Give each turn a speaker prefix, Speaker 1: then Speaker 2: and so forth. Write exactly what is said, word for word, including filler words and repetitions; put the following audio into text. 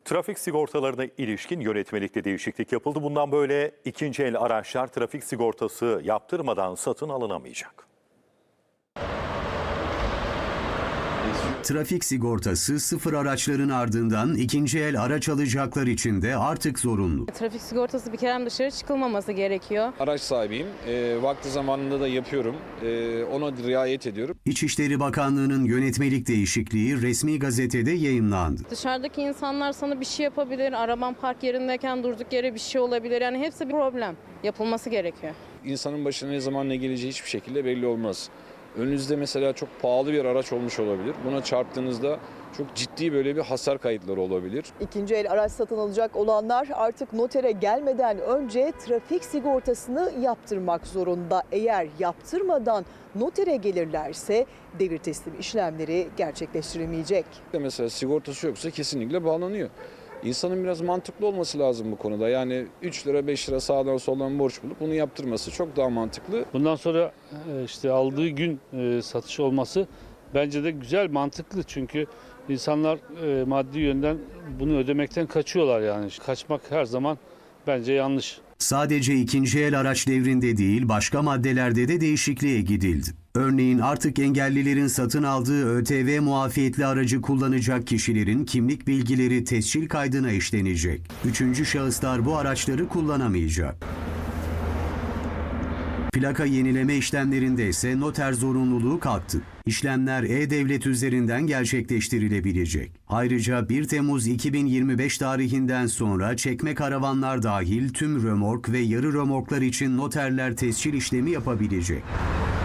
Speaker 1: Trafik sigortalarına ilişkin yönetmelikte değişiklik yapıldı. Bundan böyle ikinci el araçlar trafik sigortası yaptırmadan satın alınamayacak.
Speaker 2: Trafik sigortası sıfır araçların ardından ikinci el araç alacaklar için de artık zorunlu.
Speaker 3: Trafik sigortası bir kere dışarı çıkılmaması gerekiyor.
Speaker 4: Araç sahibiyim. E, vakti zamanında da yapıyorum. E, ona riayet ediyorum.
Speaker 2: İçişleri Bakanlığı'nın yönetmelik değişikliği resmi gazetede yayımlandı.
Speaker 3: Dışarıdaki insanlar sana bir şey yapabilir. Araban park yerindeyken durduk yere bir şey olabilir. Yani hepsi bir problem. Yapılması gerekiyor.
Speaker 4: İnsanın başına ne zaman ne geleceği hiçbir şekilde belli olmaz. Önünüzde mesela çok pahalı bir araç olmuş olabilir. Buna çarptığınızda çok ciddi böyle bir hasar kayıtları olabilir.
Speaker 5: İkinci el araç satın alacak olanlar artık notere gelmeden önce trafik sigortasını yaptırmak zorunda. Eğer yaptırmadan notere gelirlerse devir teslim işlemleri gerçekleştirilmeyecek.
Speaker 4: Mesela sigortası yoksa kesinlikle bağlanıyor. İnsanın biraz mantıklı olması lazım bu konuda. Yani üç lira beş lira sağdan soldan borç bulup bunu yaptırması çok daha mantıklı.
Speaker 6: Bundan sonra işte aldığı gün satış olması bence de güzel, mantıklı. Çünkü insanlar maddi yönden bunu ödemekten kaçıyorlar yani. Kaçmak her zaman bence yanlış.
Speaker 2: Sadece ikinci el araç devrinde değil, başka maddelerde de değişikliğe gidildi. Örneğin artık engellilerin satın aldığı ÖTV muafiyetli aracı kullanacak kişilerin kimlik bilgileri tescil kaydına işlenecek. Üçüncü şahıslar bu araçları kullanamayacak. Plaka yenileme işlemlerinde ise noter zorunluluğu kalktı. İşlemler e-devlet üzerinden gerçekleştirilebilecek. Ayrıca bir Temmuz iki bin yirmi beş tarihinden sonra çekme karavanlar dahil tüm römork ve yarı römorklar için noterler tescil işlemi yapabilecek.